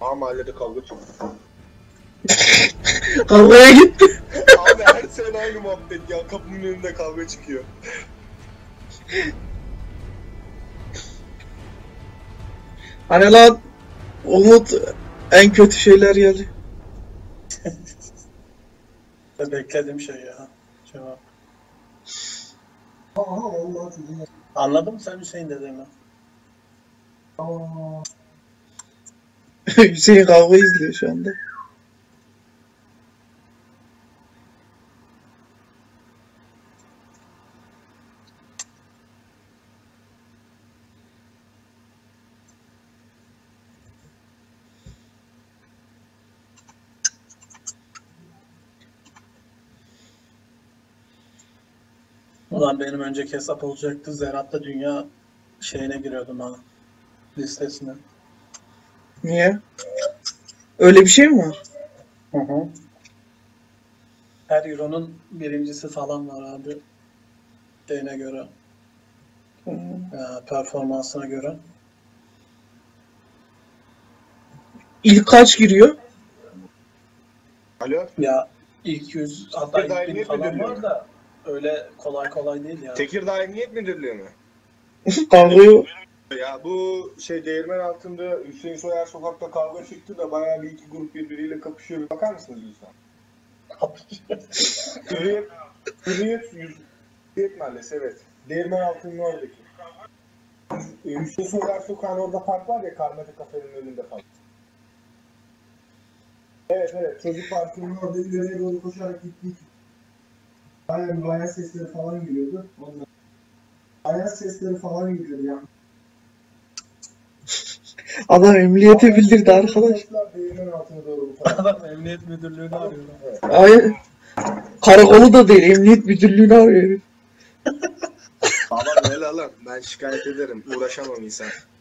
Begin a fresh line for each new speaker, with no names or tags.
Ama mahallede kavga çıktı.
Kavgaya gitti.
Abi her sene aynı muhabbet ya. Kapının önünde kavga çıkıyor.
Hani lan Umut en kötü şeyler geldi.
Beklediğim şey ya. Cevap.
Aha vallahi çocuğum.
Anladın mı sen Hüseyin dediğimi?
Aa.
Hüseyin kavga izliyor şu anda.
Ulan benim önceki hesap olacaktı. Zerat'ta dünya şeyine giriyordum ha. Listesine.
Niye? Öyle bir şey mi var?
Hı hı. Her Euro'nun birincisi falan var abi. Şeyine göre. Performansına göre.
İlk kaç giriyor?
Alo?
Ya ilk 100 hatta ilk
Tekirdağ
1000
Emniyet
falan
Müdürlüğü
var
mü?
da öyle kolay kolay değil ya.
Tekirdağ Emniyet Müdürlüğü mü?
Kavga
Ya bu şey değirmen altında Hüseyin Soyer sokakta kavga çıktı da bayağı bir iki grup birbiriyle kapışıyor. Bakar mısınız lütfen? Hürriyet Mahallesi evet. Değirmen altının oradaki. Hüseyin Soyer sokağın orada park var ya, Karmacı kafenin önünde falan. Evet çocuk parkının orada ileriye doğru koşarak gittik. Bayağı sesleri falan geliyordu. Ondan. Bayağı sesleri falan geliyordu yani.
adam emniyete bildirdi arkadaş.
Değirmen altına doğru bu tarafa.
Adam emniyet müdürlüğünü arıyor.
Hayır. Karakolu da değil, emniyet müdürlüğünü arıyor.
Baba böyle lan, ben şikayet ederim, uğraşamam insan.